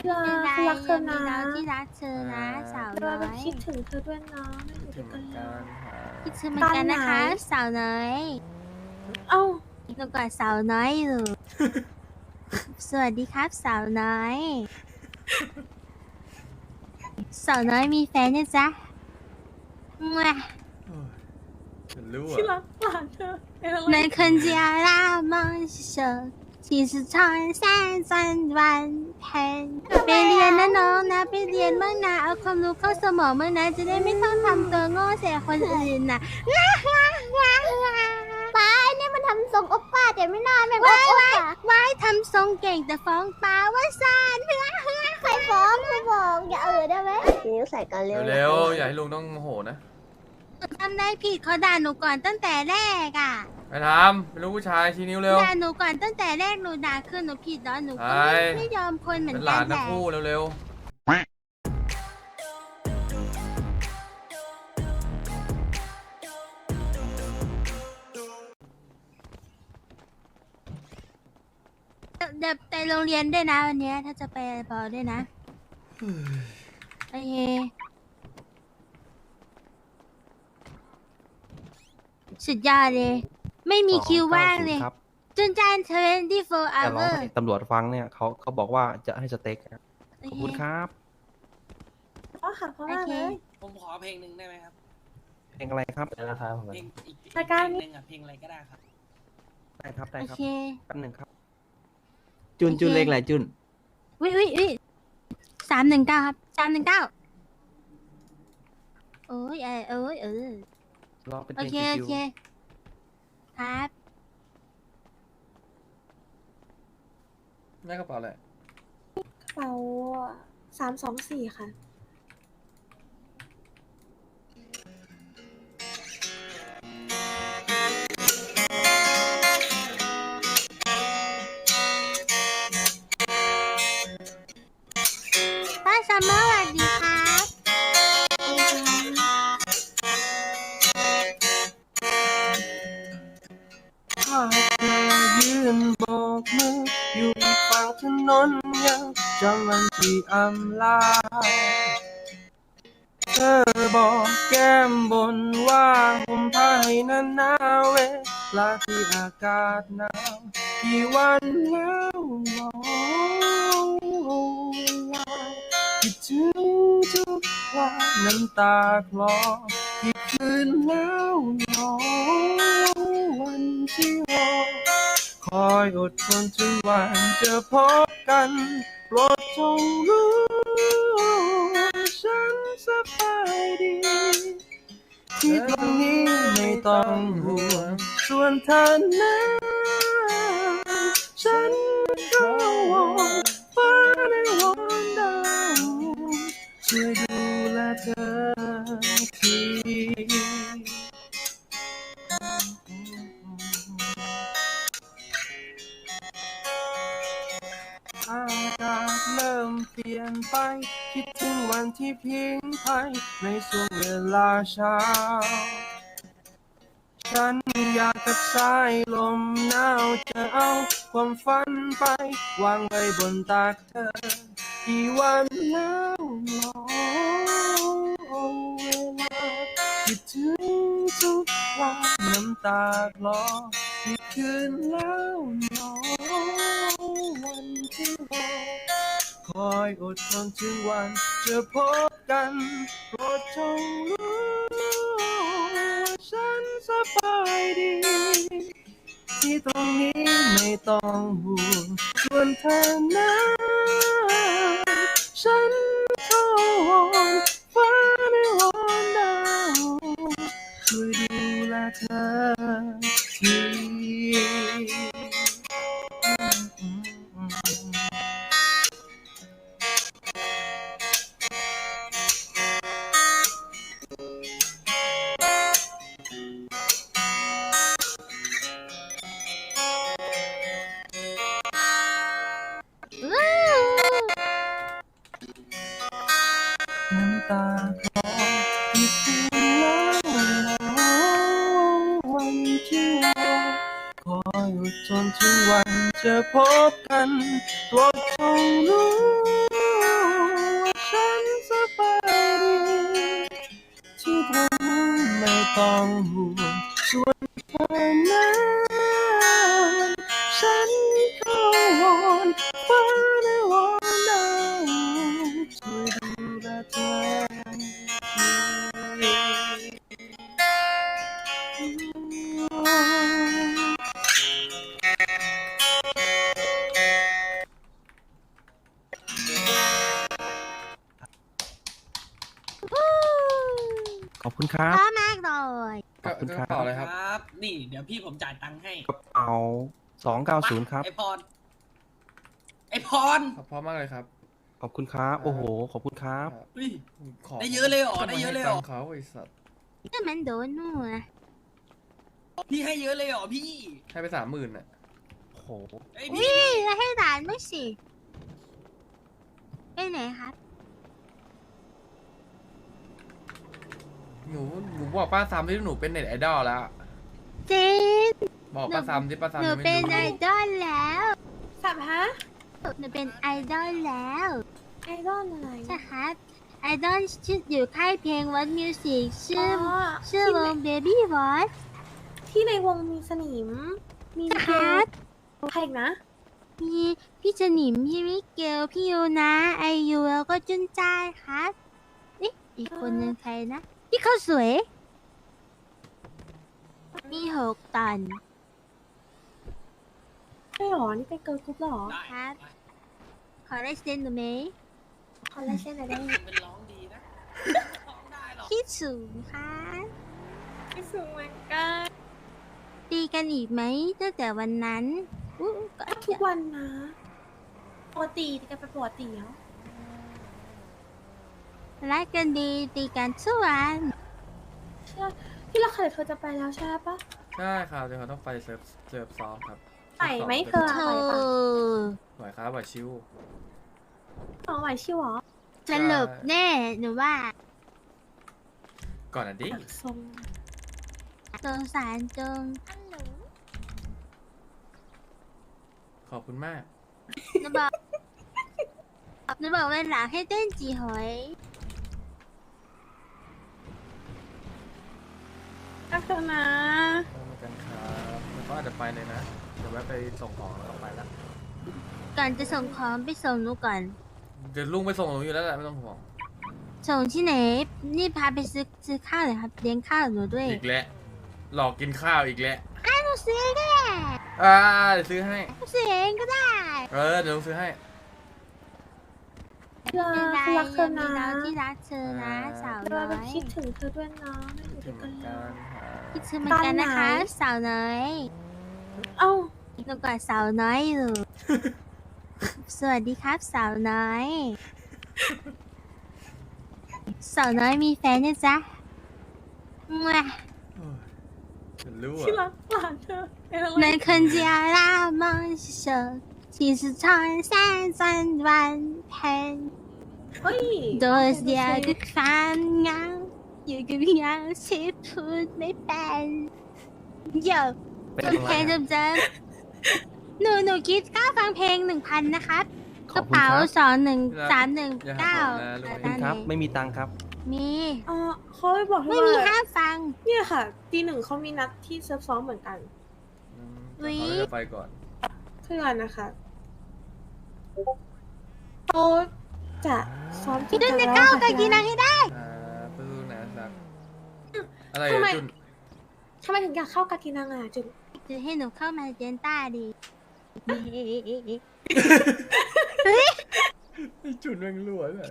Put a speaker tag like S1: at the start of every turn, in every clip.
S1: ไม่ไร
S2: รักเธ
S1: ยั
S2: อง
S1: มี
S2: นะ
S1: เราที่รักเธอนะสาว
S2: เรา
S1: น้อ
S2: ก็
S1: ย
S2: คิดถึงเธอด้วยนะไม่
S3: คิด
S2: อยู่
S3: ถึ
S2: ด้วย
S3: ง
S2: กัน
S3: กัน
S2: เลย
S3: ครับ
S1: คิดถึงเหมือนกันนะคะ สาวน้อย
S2: เอ้า
S1: หนูกอดสาวน้อยอยู่ สวัสดีครับสาวน้อย สาวน้อยมีแฟนนะจ๊ะมั่ว
S3: ฉันรู้
S2: ที่
S3: อ่ะ
S2: รักหลานเธอเป็นอะไร
S1: 能看见那梦想其实常在转弯盘ไปเรียนนะน้องนะไปเรียนบ้างนะเอาความรู้เข้าสมองบ้างนะจะได้ไม่ต้องทำตัวโง่ใส่คนอื่นน่ะ
S4: ป้าเนี่ยมันทำทรงโอปป้าแต่ไม่น่าแม่งโอปป้า
S1: ว้ายทำทรงเก่งแต่ฟ้องป้าว่าซาน
S4: ใครฟ้องใครบอกอย่าได้ไหมนิ้วใส่กันเร็ว
S3: เร็วๆอย่าให้ลุงต้องโมโหนะ
S1: ทำได้ผิดเขาด่าหนูก่อนตั้งแต่แรกอ่ะ
S3: ไปทำเป็นลูกผู้ชายชี้นิ้วเร็ว
S1: ด่าหนูก่อนตั้งแต่แรกหนูด่าคือหนูผิดเนาะหนูก็ไม่ยอมคนเหมือ
S3: เป็น นห
S1: กั
S3: ลาน น
S1: แห
S3: ทั้ง
S1: ละ
S3: คู่เร็ว
S1: เดี๋ยวไปโรงเรียนด้วยนะวันเนี้ยถ้าจะไปพอด้วยนะโอเคสุดยอดเลย ไม่มีคิวว่างเลย
S5: ครับ
S1: จุนจาน24
S5: แต่ร้อง
S1: hour
S5: ให้ตำรวจฟังเนี่ยเขาบอกว่าจะให้สเต็กครับ
S1: โอ
S5: ขอบ
S1: เค
S5: คุณครับ
S2: พ่อค่ะพ่อ
S1: โอ
S2: มา
S1: เค
S2: เลย
S6: ผมขอเพลงหนึ่งได้ไหมครับ
S5: เพลงอะไรครับ
S6: เพลงอีก
S2: รายการ
S6: เพล
S2: นี้
S6: งหนึ่งอ่ะเพลงอะไรก็ได้ครับ
S5: ได้ครับได้
S1: โอ
S5: ครับ
S1: เค
S5: แป๊บหนึ่งครับ
S1: จุนเลขอะไรจุน วิ319ครับ319โอ้ย
S5: ร้องเป็น
S1: โอ
S5: เพลง
S1: เค
S5: ชิ
S1: โอ
S5: ว
S1: เคครับ
S3: ๆได้กระเป๋าแหละ
S2: กระเป๋า324ค่ะ
S1: ป้าซัมเมอร์สวัสดีครับ
S5: ๆถ้าเธอยืนโบกมืออยู่อีกฝั่งถนนยังจำวันที่อำลาเธอบอกแก้มบนว่าห่มผ้าให้นานนาเวลาที่อากาศหนาวกี่วันแล้วหนอคิดถึงทุกวันน้ำตาคลอกี่คืนแล้วหนอวันที่รอคอยอดทนถึงวันจะพบกันโปรดจงรู้ฉันสบายดี ที่ตรงนี้ไม่ต้องห่วงส่วนเธอนั้นฉันก็วอนฟ้าในวอนดาวช่วยดูแลเธอทีอากาศเริ่มเปลี่ยนไปคิดถึงวันที่พิงไพในช่วงเวลาเช้าฉันอยากกับสายลมหนาวจะเอาความฝันไปวางไว้บนตักเธอกี่วันแล้วหนอเวลาคิดถึงทุกวันน้ำตาคลอกี่คืนแล้วหนอวันที่รอคอยอดทนถึงวันจะพบกันโปรดจงรู้ฉันสบายดี ที่ตรงนี้ไม่ต้องห่วงส่วนเธอนั้นฉันขอวอนฟ้าในวอนดาวช่วยดูแลเธอทีน้ำตาคลออีกคืนแล้ววันที่รอคอยอดทนถึงวันจะพบกันโปรดจงรู้ต้องห่วงส่วนเธอนั้นฉันก็วอนฟ้าและวอนดาวช่วยดูแลเธอ ขอบคุณครั
S1: เพ
S5: บ
S1: ราะมากเลย
S5: ขอบคุณ
S3: ก
S5: ครั
S3: ระ
S5: บ
S3: เป๋าอะไรครับ
S6: ครับ นี่เดี๋ยวพี่ผมจ่ายตังค์ให้
S5: กระเป๋า290ครับ
S6: ไอพร ไอพร
S3: พร้อมมากเลยครับ
S5: ขอบคุณครับ โอ้โห ขอบคุณครับ
S6: เฮ้ย
S3: ขอ
S6: ได้เยอะเลยเหรอ
S3: ก็
S6: ได้
S3: มา
S6: เยอะ
S3: ให้
S6: เลยเหรอ
S3: ตังค์เขาไอ้สัตว์
S1: ก็มันโดนนู่นอะ
S6: พี่ให้เยอะเลยเหรอพี่
S3: ให้ไป30,000อ่ะ
S5: โอ้โห
S6: ไอย
S1: นี่
S6: พี่
S1: แล้วให้หลานไม่สิไปไหนครับ
S3: หนูบอกป้าซ้ำที่หนูเป็นเน็ตไอดอลแล้ว
S1: จริง
S3: บอกป้าซ้ำที่ป้า
S1: ห
S3: ซ้ำ
S1: นู
S3: ยังไม่
S1: เป็น
S3: รู้
S1: ไอดอลแล้ว
S2: สับฮะ
S1: หนูเป็นไอดอลแล้ว
S2: ไอดอลอะไร
S1: ใช่ครับไอดอลชื่ออยู่ค่ายเพลงวัดมิวสิกชื่อชื่อวง Baby Voice
S2: ที่ในวงมีสนิม มี
S1: ครั
S2: เก
S1: บ
S2: ลใครอีกนะ
S1: มีพี่สนิมพี่มิเกลพี่ยูนะไอยูแล้วก็จุนจ้ายครับเอ๊ะอีกคนนึงใครนะ พี่เขาวสวย มี6 ตอน
S2: ใช่หรอ นี่เป็นเกิร์ลกรุ๊ปหรอ
S6: ได้
S1: ครับ ขอได้เซ็นหนูไหม
S2: คอลลาเจนอะไรได้ไหม
S6: เป็นร้องดีนะร้องได้หรอ
S1: พี่สูงค่ะ
S2: ไม่สูงเหมือนกัน
S1: ตีกันอีกไหมตั้งแต่วันนั้นอู้ก็
S2: ทุกวันนะปกติกันไปปกติแล้ว
S1: รักกันดีตีกันทุกวัน
S2: เชื่อที่เราเคยเธอจะไปแล้วใช่ปะ
S3: ใช่ครับเดี๋ยวเขาต้องไปเซิร์ฟซ้อมครับ
S2: ไปไหมเธอ
S1: โธ่
S3: ไหวครับไหวชิว
S2: น้องไหวชิวหรอ
S1: สรุปแน่หนูว่า
S3: ก่อนอันดิ
S2: อยากทรง
S1: สงสารจง
S3: ขอบคุณมาก
S1: หนูบอกหนูบอกวันหลังให้เต้นจีหอย
S2: ก็เธอนะ
S3: เหมือนกันครับแล้วก็อาจจะไปเลยนะ เดี๋ยวแวะไปส่งของแล้วก็ไปแล้ว
S1: ก่อนจะส่งของไปส่งหนูก่อน
S3: เดี๋ยวลุงไปส่งหนูอยู่แล้วแหละไม่ต้องห่วง
S1: ส่งที่ไหน นี่พาไปซื้อข้าวเลยครับเลี้ยงข้าวหนูด้วย
S3: อีกแล้วหลอกกินข้าวอีกแล้ว
S1: หนูซื้อก็ได้
S3: เดี๋ยวซื้อให้
S1: หนูซื้อเองก็ได้
S3: เดี๋ยวลุงซื้อให้
S2: เรา
S1: เป็นไร
S2: รักเธ
S1: ยั
S2: อง
S1: มี
S2: นะ
S1: เราที่รักเธอนะสาว
S2: เรา
S1: น้อย
S2: คิดถึงเธอด้วยนะไม่อยู่
S3: ถึ
S2: ด้วย
S3: ง
S2: กันเล
S3: การ
S2: ย
S1: คิดถึงเหมือนกันนะคะ
S2: ตอนไหน
S1: สาวน้อย
S2: เอ้า
S1: หนูกอดสาวน้อยอยู่ สวัสดีครับสาวน้อย สาวน้อยมีแฟนนะจ๊ะมั่ว
S3: ฉันรู้
S2: ที่รั
S3: อ่ะ
S2: กหลานเธอเป็นอะไร
S1: 能看见那梦想，其实穿山转弯盘，
S2: เฮ้ย
S1: 多少个烦恼，有个样子พูดไม่เป็นโย่
S5: เป็น
S1: จ
S5: อะ
S1: น
S5: ไร
S1: เพลง
S5: อะ
S1: จำหนูคิดค่าฟังเพลง 1,000 นะครับ
S5: ข
S1: ก
S5: อ
S1: ระ
S5: บคุณ
S1: เป๋า
S5: ครับ
S1: 21319
S5: ขอบคุณครับ ไม่มีตังค์ครับ
S1: มี
S2: เขาไปบอก
S1: ไม่
S2: ว่า
S1: มีห้ามฟัง
S2: เนี่ยค่ะตี 1เขามีนัดที่เซิร์ฟซ้อมเหมือนกัน
S1: อุ๊ย
S3: เขาจะไปก่อน
S2: เพื่อนนะคะเขาจะซ้อม
S1: พี่ดุน
S2: ริ
S1: จะ
S2: งๆ
S1: ก้าว
S2: แล้ว
S1: กับ
S2: ค่ะ
S1: กีนังให้ได้
S3: ตู้นะสักอะไร
S2: ทำไม
S3: จุน
S2: ทำไมถึงอยากเข้ากากินังอ่ะจุน
S1: จะให้หนูเข้ามาเจนต้าดี
S3: จุนแม่งรั่วเลย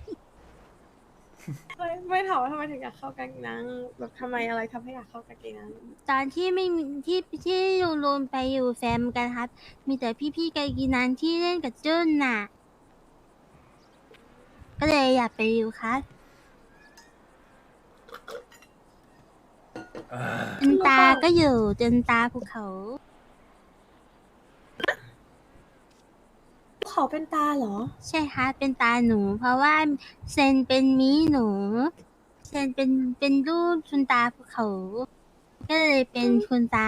S2: ไม่ถามว่าทำไมถึงอยากเข้ากากินังแบบทำไมอะไรทำให้อยากเข้ากากินัง
S1: ตอนที่ไม่มีที่ลุงลูนไปอยู่แฟมกันครับ มีแต่พี่ๆไกกีนันที่เล่นกับจุนน่ะ ก็เลยอยากไปอยู่ครับจนตาก็อยู่จนตาภูเขา
S2: เขาเป็นตาเหรอ
S1: ใช่ครับเป็นตาหนู เพราะว่าเซนเป็นมีหนู เซนเป็นรูปคุณตาภูเขา ก็เลยเป็นคุณตา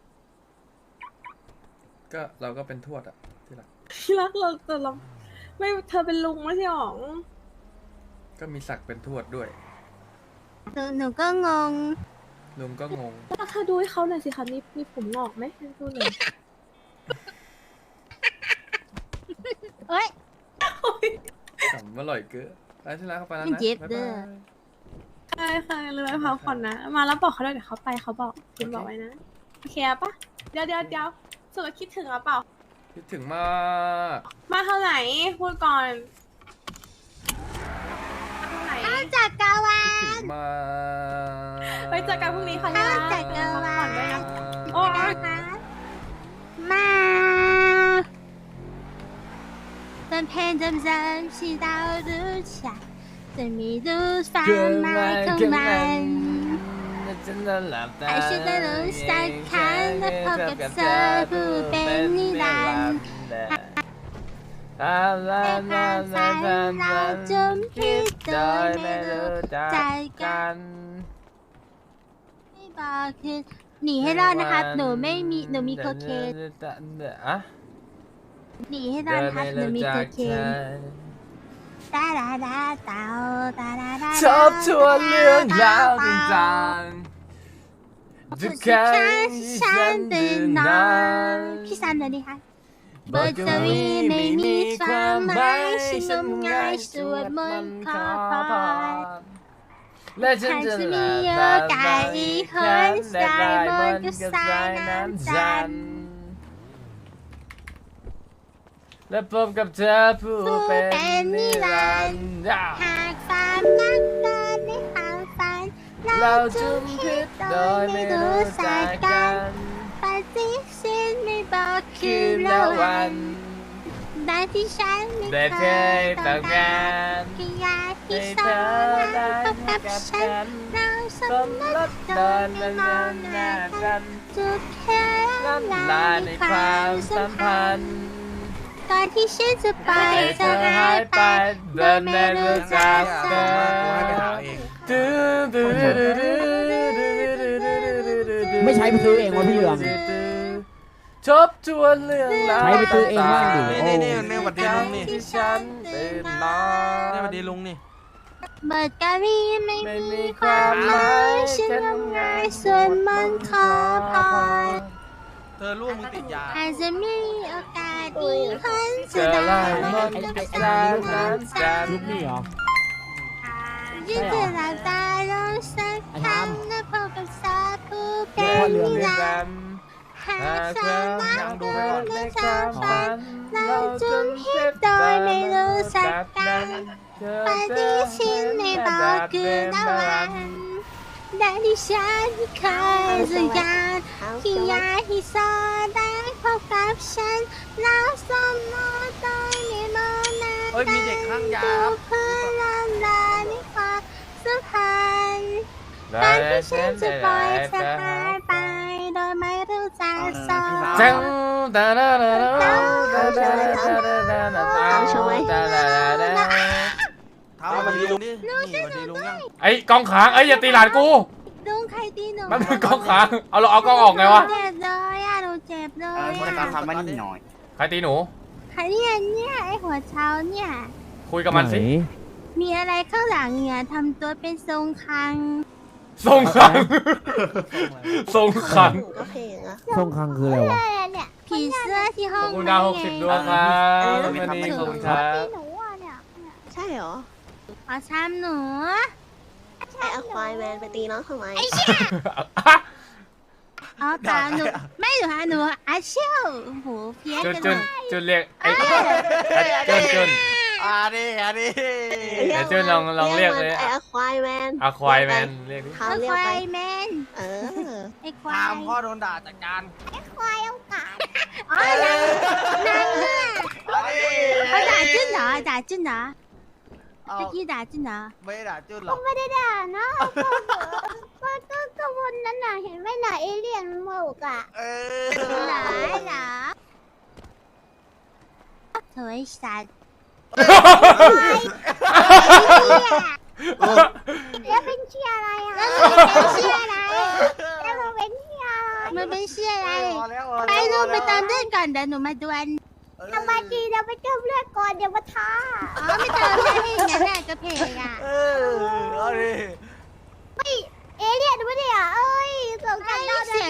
S3: ก็เราก็เป็นทวดอ่ะที่รัก
S2: ที่รักเราแต่เราไม่เธอเป็นลุงไม่ใช่หรอ
S3: ก็มีศักดิ์เป็นทวดด้วย
S1: หนูก็งง
S3: ลุงก็งง
S2: แล้วเธอดูให้เขาหน่อยสิคะมีผมงอกไหมดูหน่อย
S1: เอ้ย
S3: ขำอร่อยเกินไปที่ร้านเข้าไปแล้ว
S1: มัน
S3: นะ
S1: เจ็บ
S3: บ๊าย
S1: เด้
S3: บา
S1: อ
S3: ย
S2: ใช่ค่ะเลยไปพักผ่อนนะ มาแล้วบอกเขาด้วยเดี๋ยวเขาไปเขาบอกคุณบอกไว้นะ โอเคปะเดี๋ยวสุดคิดถึงหรือเปล่า
S3: คิดถึงมาก
S2: มาเท่าไหร่พูดก่อนมาเท่าไหร่
S1: จากกาวา
S3: คิดถึงมาก
S2: ไปเจอกันพรุ่งนี้ค่ะ
S1: เอา
S2: ย่า
S1: จากกาวา
S2: พักผ่อนด้วยนะ โอ้
S1: นะคะมาตอนเพลงจำที่เรารู้จักจะมีรูปความหมายของมันให้ฉันได้รู้สักครั้งและพบกับเธอผู้เป็นนิรันดร์ในความฝันเราจมคิดโดยไม่รู้ใจกันไม่บอกคือหนีให้รอดนะครับหนูมีโคเคนหนีให้รอดนะครับหนูมีโคเคนตาดาดาเตาตาดาดา
S5: ชอบทวนเรื่องราวต่างๆทุกครั้งที่ฉันตื่นนอน
S1: พี่ซันเลยดิคะ
S5: บทกวีไม่มีความหมายฉันงมงายสวดมนต์ขอพรและฉันจะหลับตาอีกคนสายมนต์กับสายน้ำจันทร์และพบกับเธอผู้เป็นนิรันดร์
S1: หากความรักเกิดในความฝัน
S5: เราจุ่มพิษโดยไม่รู้จักกัน
S1: ปฏิเสธไม่บอกคื
S5: คือ อ
S1: ละ
S5: ละ
S1: วั
S5: วัน น
S1: ได้ที่ฉันไม่
S5: ได้
S1: เค
S5: เค
S1: ย
S5: ย
S1: ต้
S5: ต้
S1: อ
S5: อง ง
S1: กา
S5: การ ร
S1: แค่อยากที่
S5: ให้
S1: ส
S5: เธ
S1: อ
S5: อน ได้
S1: พบ
S5: พ
S1: กั
S5: บบ กับ
S1: ฉั
S5: ฉั
S1: น
S5: น
S1: เราส
S5: ส
S1: ม
S5: ม
S1: ร
S5: ร
S1: ส
S5: ส
S1: โด
S5: โด
S1: ย
S5: น
S1: ไม่
S5: มัน
S1: มอง
S5: น
S1: หน้า
S5: หน้า
S1: กั
S5: กัน น
S1: จุดแค่
S5: ล้ำลาในความสัมพันธ์
S1: ก่อนที่ฉันจะไป
S5: ให้
S1: เธ
S5: เธ
S1: อ
S5: อ
S1: หา
S5: หาย ย
S1: ไป
S5: ไปโดยไม่รู้จักเธอ
S7: ไม่ใช้ไปซื้อเองวะพี่เหลือง
S5: ทบทวนเรื่องราว
S7: ใช้ไปซื้อเองบ้างดิ
S5: นี่หวัดดีลุงนี่ที่ฉันตื่นนอน
S3: นี่สวัสดีลุงนี่
S1: เบิดกะวีไม่
S5: ไม่
S1: มี
S5: มี
S1: คาว
S5: ความ ม
S1: ห
S5: ห
S1: มาม
S5: าย ย
S1: ฉัน
S5: ฉัน
S1: ทำ
S5: งาง
S1: าน
S5: ย
S1: ส่วนมันขอพร
S3: เธอลูกมึงติดยา
S1: อาจจะมีโอกาสอีกคน
S5: เจ
S1: จะ
S5: อ
S1: ได้
S5: ลาย
S1: พ
S5: ม
S1: บ
S5: น
S1: กับ
S5: กับ
S1: ฉั
S5: สาน ยน้ำจันท
S7: ลูก
S5: ร์
S7: นี่เหรอ
S1: ยิ่งจะหลับตาลงสักครั้งและพบกับสาผู้เป็
S5: เพื่อน
S1: น
S5: เรื
S1: นิ
S5: อง
S1: รั
S5: กัน น
S1: ดร์หา
S5: หาก
S1: ก
S5: เธ
S1: เธอ
S5: อ
S1: รัก
S5: ยังดู
S1: เกิ
S5: ไม่
S1: น
S5: ก่อน
S1: ใน
S5: ในความ มฝัน
S1: คาวฝันเราจุมพิษโดยไม่รู้สักกันปฏิเสธไม่บอกคือละวันได้ที่ฉันเคยสัญญาที่อยากให้สอได้พบกับฉันแล้วสมมติโดยไม่มองหน้า
S3: เฮ้ยมีเด็กข้างยา
S1: ดูเพื่อละลายในความสัมพันธ์
S5: ได้
S1: การที่
S5: ฉั
S1: ฉั
S5: น
S1: น
S5: จะ
S1: จะ
S5: ป
S1: ป
S5: ล่
S1: ล่
S5: อ
S1: อย ย
S5: เธ
S1: เธ
S5: อ
S1: อ
S5: หา
S1: หาย ย
S5: ไป
S1: ไปโดยไม่รู้จักสอน
S5: จังตาดาดาดาดาดาดาดาดาดา
S2: เอาใช่ไหม
S5: ตาดาดาดา
S3: ถามสวัสดีลุงนี่นี่สวัสดีลุงยัง
S5: ไอ้กองขางไอ้อย่าตีหลานกู
S1: ลุงใครตีหนู
S5: มันเป็นกองขางเอาเราเอากองออกไงวะ
S1: เจ็บเลยอ่ะหนูเจ็บเลย
S3: คน
S1: อ่ะ
S3: การทำมันนี่หน่อย
S5: ใครตีหนู
S1: ใครเนี่ยไอหัวเช้าเนี่ย
S5: คุยกับมันสิ
S7: ไห
S1: มีอะไรข้างหลังเนี่ยทำตัวเป็นทรงคัง
S5: ทรงขังทรงขัง
S2: ก็เพลงอะ
S7: ทรงคังคืออะไรวะ
S1: เนี่ยผีเสื้อที่ห้
S5: ข
S1: อ
S5: อง บคุณ
S1: ไ
S5: ดาว60 ดวงครับวันนี้ขอบคุณครับ
S1: ตีหนูอ่ะเนี่ย
S2: ใช่เหรอ
S1: ขอช้ำหนู
S2: ใช่อควายแมนไปตีน้องทำไม
S1: เอาตามหนูไม่หนูฮะหนูอาเชี่ยวโหเพี้ยน
S5: จุน
S1: กัน
S5: จุน
S1: หมด
S5: จุนเรียกไอ้จุน
S3: อ่าดิอ่าดิ
S5: เดี๋ยวจุนลองเรียกเลย
S2: ไอ้อควายแมน
S5: อะควายแมนเรียกดิ
S2: เขา
S1: ไอ้
S2: เรีย
S1: ค
S2: ก
S1: วา
S2: ไป
S1: ยแมน
S2: เออ
S1: ไอ้ควา
S3: ตาย มพ่อโดนด่าจัดการ
S1: ควายเอากาดอ๋อนางเนี่ย
S3: อ่าดิ
S1: เขาด่าจุนเหรอด่าจุนเหรอเมื่อกี้ด่าจุนเหรอ
S3: ไม่ได้ด่าจุนหรอก
S4: ไม่ได้ด่านะก็วนนั้นน่ะเห็นไหมน่ะเอเลี่ยนหมกอ่ะ
S3: เออ
S1: หรอเหรอเธอไอ้สัตว์
S4: แล้วเป็นเชียร์อะไรอ่ะ
S1: แล้วมันเป็นเชี่ยอะไร
S4: แล้วมันเป็นเชียร์อะไร
S1: มันเป็นเชี่ยอะไร
S3: พอแล้ว
S1: ไปดูไปตามเรื่องก่อนเดี๋ยวหนูมาดวล
S4: ทำไมจีเดี๋ยวไปเติมเลือดก่อนเดี๋ยวมาท้า
S1: อ๋อไม่เติมได้ให้งั้นแหละกระเพกอ่ะ
S3: เออเอาดิ
S4: เอเลี่ยนไม่ได้อ่ะเอ้ย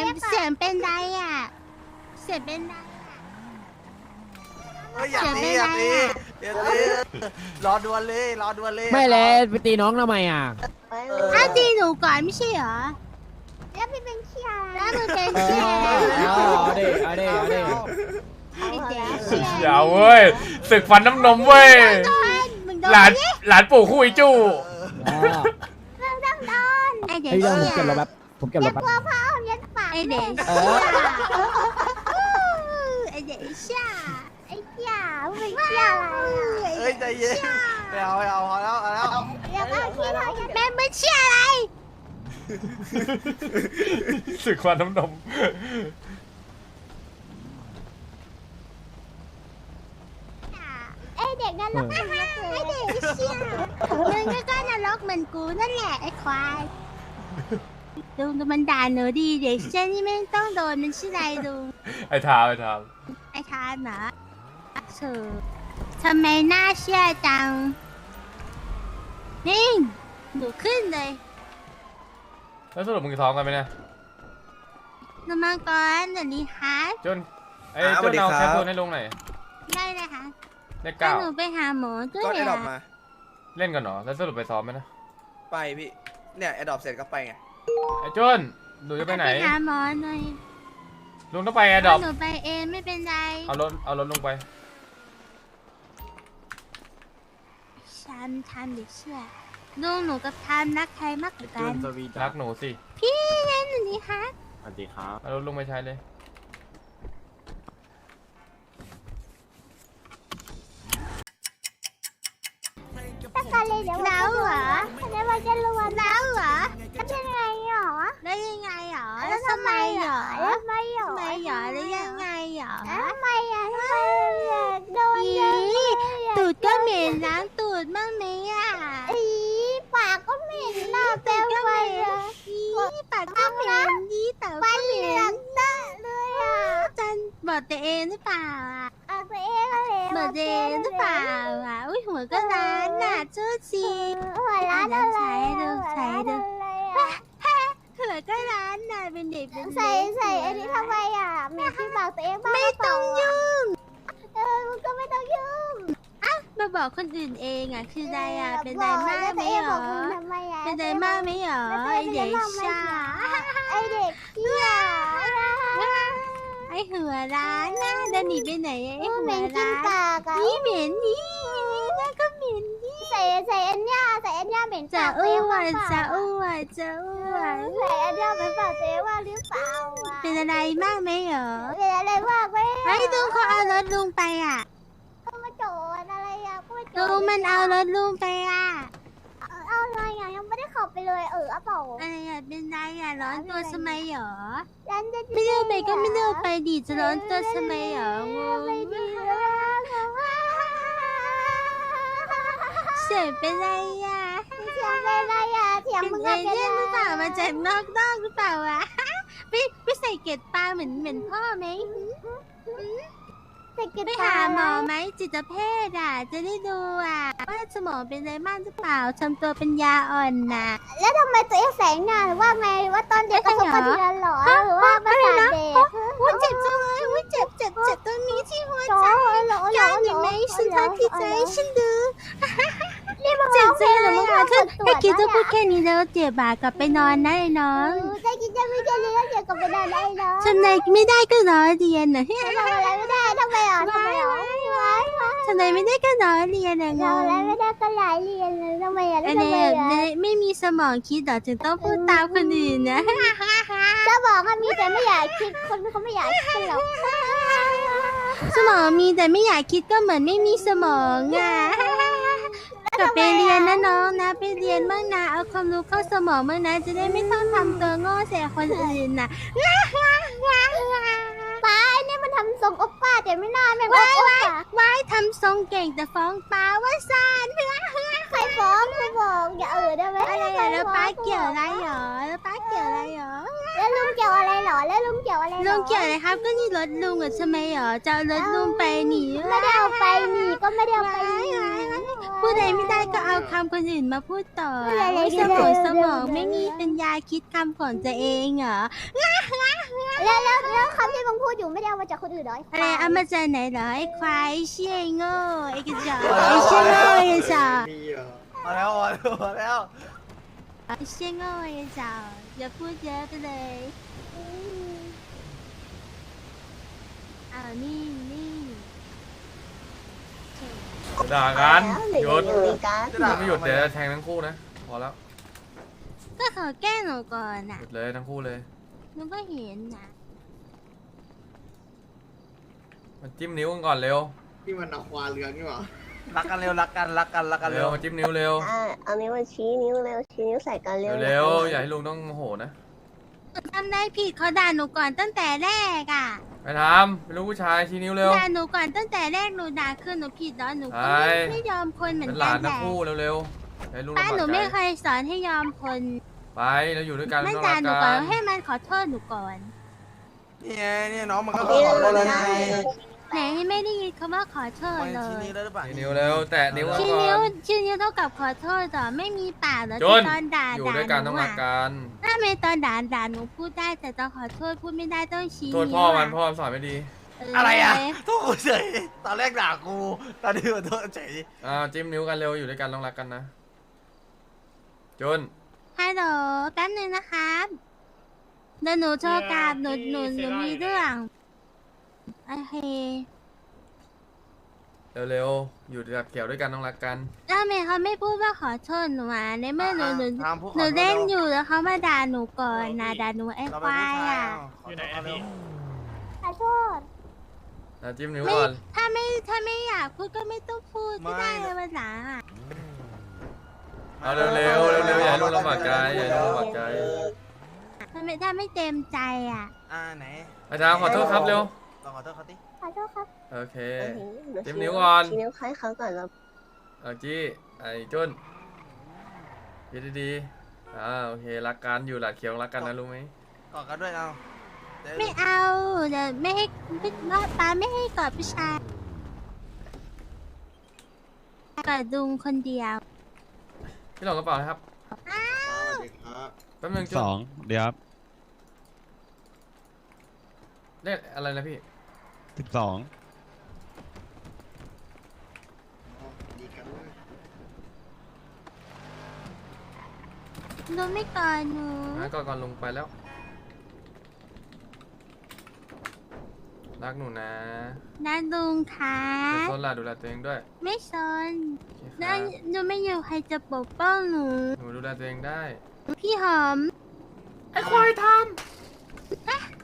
S1: เสียงเป็นไรอ่ะเสียงเป็นไร
S5: อย่าตีรอดวนเลยรอดวนเลย
S7: ไม่เลยไปตีน้องทำไมอ่ะ
S1: อ้าวตีหนูก่อนไม่ใช่เหรอ
S4: แล้วพี่เป็นเชียร์
S1: แล้วมึงเป็น
S7: เออ
S1: เชียร์
S7: เอาดิเอาดิเอาดิ
S1: ไอ้เด็กเชียร์
S3: อย่าเว้ยศึกฟันน้ำนมเว้ย
S1: มึงโดน
S3: หลานปู่คู่ไอ้จู้
S7: อ๋อ
S1: ไอ้เด็ก
S7: ไอ้เรื่องผม
S1: เชีย
S7: เก็บรถ
S1: ร์
S7: แป๊บผมเก็บรถแป๊บ
S4: ยัดปาก
S1: ไอ้เด็ก
S7: เอ
S1: เชียร์ไอ้เด็กเชียร์
S4: ไอ้เชียร์มึงเป็นเชียร์อะไร
S5: เฮ้ยใจเย็นไม่เอาพอแล้วเอาแล้ว
S4: เดี๋ยวก็ที่เรายัด
S1: แม่ไม่เชียร์อะไร
S3: ศึกฟันน้ำนม
S4: ไอ้เด็กนั่นรักมึงมากเลย
S1: ไอ้เด็กเชียร์มึงก็นรกเหมือนกูนั่นแหละไอ้ควายลุงมันด่าหนูดีเด็กเชียร์นี่ไม่ต้องโดนมันชื่ออะไรลุง
S3: ไอ้ทามไอ้ทาม
S1: ไอ้ทานเหรอเธอทำไมหน้าเชื่อจัง นี่หนูขึ้นเลย
S3: แล้วสรุปมึงจะท้องกันไหมเนี่ย
S1: หนูมาก่อนเดี๋ยวนี้ฮะ
S3: จนไอ้จนเอาแคปซูลให้ลุงหน่อย
S1: ได้เลยค่ะ
S3: เลข
S1: ถ้า
S3: เก้า
S1: หนูไปหาหมอด้วย
S5: ก็ไอ้ดอก
S1: อะ
S5: มา
S3: เล่นกันเหรอแล้วสรุปไปซ้อมไหมนะ
S5: ไปพี่เนี่ยไอ้ดอกเสร็จก็ไปไง
S3: ไอ้จนหนูจะไปไหน
S1: ไปหาหมอหน่อย
S3: ลุงต้องไปแอร์ดรอป
S1: หนูไปเองไม่เป็นไร
S3: เอารถลงไป
S1: ฉันทำเด็กเชื่อลุงหนูกับทามรักใครมากกว่ากัน
S3: รักหนูสิ
S1: พี่เล่นหนูนี่ฮะ
S7: สวัสดีครับ
S3: เอารถลงไปใช้เลย
S4: ตะการเลยเดี๋ยวแล้วเหรอเดี๋ยวมันจะรวน
S1: แล้วเหรอ
S4: แล้วยังไงหรอ
S1: แล้วยังไงหรอ
S4: แล้
S1: แล้ว ว
S4: ทำ
S1: ทำ
S4: ไม
S1: ไม
S4: ห
S1: ห
S4: ร
S1: ร
S4: อ
S1: อ
S4: แล้วทำไมหรอ
S1: ทำไมหรอแล้วยังไงหรอ
S4: ทำไมอ่ะทำไมโดน
S1: อี
S4: เยอะเลย
S1: ตูดก็เหม็นล้างตูดบ้างไหมอ่ะ
S4: อีปากก็เหม็นหน้าเปลวไฟอ่ะ
S1: อีปากก็เหม็นดีแต่
S4: ฟั
S1: ก็
S4: น
S1: เห
S4: เหลื
S1: ม็
S4: อน งตะเลยอ่ะ
S1: จันบอกตัวเองหรือเปล่าอ่ะ
S4: เอาตัวเองอะไร
S1: บอกตัวเองหรือเปล่าอ่ะอุ้ยหัวก็ร้านน่ะเจ้าจี
S4: หัวร้านอะไร
S1: ดูใส่ดู
S4: อ่ะ
S1: หัวก็ร้านน่ะเป็นเด็กเป็น
S4: ใส่
S1: เด็ก
S4: ใส่อันนี้ทำไมอ่ะเหม็นที่บอกตัวเองบ้าง
S1: ไม่ต้องยุ่ง
S4: มึงก็ไม่ต้องยุ่ง
S1: มาบอกคนอื่นเองอ่ะคืออะไรอ่ะเป็นไรมากไหมหรอ
S4: ทำไมอ่ะ
S1: เป็นไรมากไหมหรอไอเด็กชา
S4: ไอเด็กเชี่ย
S1: ไอหัวร้านน่ะเดินหนีไปไหนไอหั
S4: เห
S1: ว
S4: ม็นกิน
S1: ร้าน
S4: ปากอ่ะ
S1: นี่เหม็นนี่น่าก็เหม็นนี่
S4: ใส่อันเนี้ยใส่อันเนี้ยเหม็น
S1: จะ
S4: ปากตัว
S1: อ้
S4: เอง
S1: ว
S4: บ้าง
S1: น
S4: เปล่า
S1: จะอ้วนจะอ้วน
S4: ใส่อันเนี้ยเหม็นปากตัวเองบ้างหรือเปล่าอ่ะ
S1: เป็นอะไรมากไหมหรอ
S4: เป็นอะไรมากไหม
S1: ไอ้ลุงเขาเอารถลุงไปอ่ะ
S4: ก็มาโจรอะไรอ่ะก็มาโจร
S1: ลุงมันเอารถลุงไปอ่ะ
S4: เอาอะไรอ่ะยังไม่ได้ขับไปเลยเอาเปล่า
S1: อะไรอ่ะเป็นไรอ่ะร้อนตัวทำไมหรอ
S4: ยันจะ
S1: ไม่เลือกไปก็ไม่เลือกไปดิจะร้อนตัวทำไมหรองง
S4: ไปดีแล้ว
S1: เสียงเป็นไรอ่ะ
S4: เถียงไปอะไรอ่ะเถียง
S1: เป็น
S4: มึง
S1: เอ
S4: อะ
S1: เลี่ยนหรือเปล่ามาจากนอกหรือเปล่าอ่ะไปใส่เกล็ดปลาเหมือนพ่อไหม
S4: แต่กิน
S1: ไปหาหมอไหมจิตแพทย์อ่ะ จะได้ดูอ่ะว่าสมองเป็นอะไรบ้างหรือเปล่าทำตัวเป็นยาอ่อนน่ะ
S4: แล้วทำไมตัวเองแสงหน้าหรือว่าไงหรือว่าตอนเด็กประสบการณ์เรียนหรอหรือว่าประสาทเด็ก
S1: อุ้ยเจ็บจังเลยอุ้ยเจ็บตรงนี้ที่หัว
S4: หร
S1: ใจ
S4: อ
S1: ยายเห็นไหมฉันทักที่ใจฉันดู
S4: นี่มัน
S1: เจ็บจังเลยมึงมาเถอะให้คิดจะพูดแค่นี้แล้วเจ็บอ่ะกลับไปนอนนะไอ้น้อง
S4: จะกินจะไม่จะเลี้ยงเดี๋ยวกับไปนอนได้เนาะ
S1: ทำไมไม่ได้ก็รอเรียนน่ะ
S4: ทำอะไรไม่ได้ทำไมอ่ะทำไมอ่ะ
S1: ทำไมไม่ได้ก็รอเรียนอ่ะง
S4: ทำอะไร
S1: ง
S4: ไม่ได้ก็หลายเรียนเลยทำไมอ่ะ
S1: อัน
S4: ทำ
S1: นี้
S4: ไมอ่ะ
S1: ไม่มีสมองคิดหรอจึงต้องพูดตามคนอื่นนะ
S4: จะบอกว่ามีแต่ไม่อยากคิดคนเขาไม่อยากคิดหรอก
S1: สมองมีแต่ไม่อยากคิดก็เหมือนไม่มีสมองอ่ะกลับไปเรียนนะน้องนะไปเรียนบ้างนะเอาความรู้เข้าสมองบ้างนะจะได้ไม่ต้องทำตัวโง่ใส่คนอื่นน่ะ
S4: ป้าเนี่ยมันทำทรงโอปป้าแต่ไม่น่าแม่งโอปป้า
S1: ว่ายทำทรงเก่งแต่ฟ้องป้าว่าซาน
S4: ใครฟ้องใครบอกอย่าได้ไหม
S1: อะไรอ่ะแล้วป้าเกี่ยวอะไรหรอแล้วป้าเกี่ยวอะไรหรอ
S4: แล้วลุงเกี่ยวอะไรหรอแล้วลุงเกี่ยวอะไร
S1: ลุงเกี่ยวอะไรครับก็นี่รถลุงอ่ะทำไมหรอจะเอารถลุงไปหนี
S4: ไม่ได้เอาไปนี่ก็ไม่ได้เอาไปนี่
S1: พูดอะไรไม่ได้ก็เอาคำคนอื่นมาพูดต่อ
S4: อะไร
S1: โอ้ย
S4: ก็ได้
S1: สมองไม่มีปัญญาคิดคำของตัวเองเหรอ
S4: แล้วคำที่มึงพูดอยู่ไม่ได้เอามาจากคนอื่นเหรอ
S1: อะไรเอามาจากไหนเหรอไอ้ควายไอ้เชี่ยไอ้โง่ไอ้กระจอกไอ้เชี่ยโง่ไอ้กระจอก
S5: มาแล้วมาแล้ว
S1: ไอ้เชี่ยโง่ไอ้กระจอกอย่าพูดเยอะไปเลยอ้าวนี่
S3: ด่ากันหยุด
S4: กัน
S3: ถ้าไม่หยุดเดี๋ยวจะแทงทั้งคู่นะพอแล้ว
S1: ก็ขอแก้หนูก่อน
S3: ห
S1: น่ะ
S3: ยุดเลยทั้งคู่เลย
S1: หนูก็เห็นนะ
S3: มาจิ้มนิ้วกันก่อนเร็ว
S8: ที่มันเอาควาเรืองนี่หว่า
S5: รักกันเร็วรักกัน
S3: เร็วมาจิ้มนิ้วเร็ว
S4: เอานิ้วมาชี้นิ้วเร็วชี้นิ้วใส่กันเร็ว
S3: เร็วอย่าให้ลุงต้องโมโหนะ
S1: หนูทำได้ผิดเขาด่าหนูก่อนตั้งแต่แรกอ่ะ
S3: ไปทำเป็นลูกผู้ชายชี้นิ้วเร็ว
S1: ด่าหนูก่อนตั้งแต่แรกหนูด่าคือหนูผิดแล้วหนูก็
S3: ใช่
S1: ไม่ยอมคนเหมือน
S3: เป็นห
S1: กั
S3: ลาน
S1: น
S3: ทั้
S1: แห
S3: ง
S1: ละ
S3: คู่เร็วๆให้ลุง
S1: ป้า
S3: ลำบาก
S1: หนูไม่
S3: ใจ
S1: เคยสอนให้ยอมคน
S3: ไปเราอยู่ด้วยกัน
S1: มัน
S3: ต้อง
S1: ด่า
S3: รัก
S1: หนู
S3: กั
S1: ก่อน
S3: น
S1: ให้มันขอโทษหนูก่อน
S5: นี่ไงเนี่ยน้องมันก็ขอโทษแล้วไง
S1: ไหนไม่ได้ยินคำว่าขอโทษ
S5: มัน
S1: เล
S5: ชี้
S1: ย
S5: นิ้วแล้วหรือเปล่า
S3: ชี้นิ้วเร็วแตะนิ้วกัน
S1: ชี้
S3: ก่
S1: นิ้ว
S3: อน
S1: ชี้นิ้วเท่ากับขอโทษเหรอไม่มีปากเหรอ
S3: จ
S1: ที่
S3: น
S1: ตอนด่า
S3: อยู่
S1: ด่า
S3: ด้วย
S1: ห
S3: กันต้
S1: นู
S3: องรัก
S1: อ่ะ
S3: กัน
S1: ถ้าไม่ตอนด่าหนูพูดได้แต่ตอนขอโทษพูดไม่ได้ต้องชี้
S3: โทษ
S1: นิ้ว
S3: พ่อมันพ่อมันสอนไม่ดี
S5: อะไรอ่ะโทษกูเฉยตอนแรกด่ากูตอนนี้มาโทษเฉย
S3: จิ้มนิ้วกันเร็วอยู่ด้วยกันต้องรักกันนะจน
S1: ฮัลโหลแป๊บนึงนะครับเดี๋ยวหนูโทรกลับหนูมีเรื่องโอเค
S3: เร็วๆอยู่กับเกี่ยวด้วยกันต้องรักกัน
S1: แล้วทำไมเขาไม่พูดว่าขอโทษหนูอ่ะในเมื่อหนู
S5: ทำพวก
S1: หนูเล่นอยู่แล้วเขามาด่าหนูก่อนนะด่าหนูไอ้
S5: เรา
S1: ค
S5: เป็น
S1: วา
S5: ผู้
S1: ย
S5: ชาย
S1: อ่ะ
S6: อยู่ไหนอะพี่
S4: ขอโทษ
S3: จิ้มนิ้ว
S1: ไม่
S3: ก่อน
S1: ถ้าไม่อยากพูดก็ไม่ต้องพูดก็ได้เลยวันหลังอ่ะ
S3: เอาเร็วอย่าให้ลุงลำบากใจอย่าให้ลุงลำบากใจ
S1: ถ้าไม่เต็มใจอ่ะ
S5: ไหน
S3: อาจารย์ขอโทษครับเร็ว
S5: ลองขอโทษเขาดิ
S4: ขอโทษครับ
S3: โอเค จิ้มนิ้วก่อน
S4: ชี้นิ้วคล้ายเขาก่อนแล้ว
S3: เอาจี้ไอ้จุนคิดดีๆโอเครักกันอยู่หลัดเขียวรักกันนะรู้ไหม
S5: กอดกันด้วยเอา
S1: ไม่เอาเดี๋ยวไม่ให้ป้าไม่ให้กอดผู้ชายกอดดุงคนเดียว
S3: พี่หลงกระเป๋านะครับ
S8: สวัสดีครับ
S3: แป๊บนึงจุน
S9: เดี๋ยวครับ
S3: เรียกอะไรนะพี่
S9: 12
S8: อ๋อดีกันเลย
S1: หนูไม่กอดหนู
S3: งั้นก่อนลงไปแล้วรักหนูนะ
S1: นะดุงค่ะ
S3: เดี๋ยวโซนล่ะดูแลตัวเองด้วย
S1: ไม่สน
S3: โอเคค
S1: แล้
S3: รั
S1: ว
S3: บ
S1: หนูไม่อยู่ใครจะปกป้องหนู
S3: หนูดูแลตัวเองได้
S1: พี่หอม
S3: ไอ้ควายทำ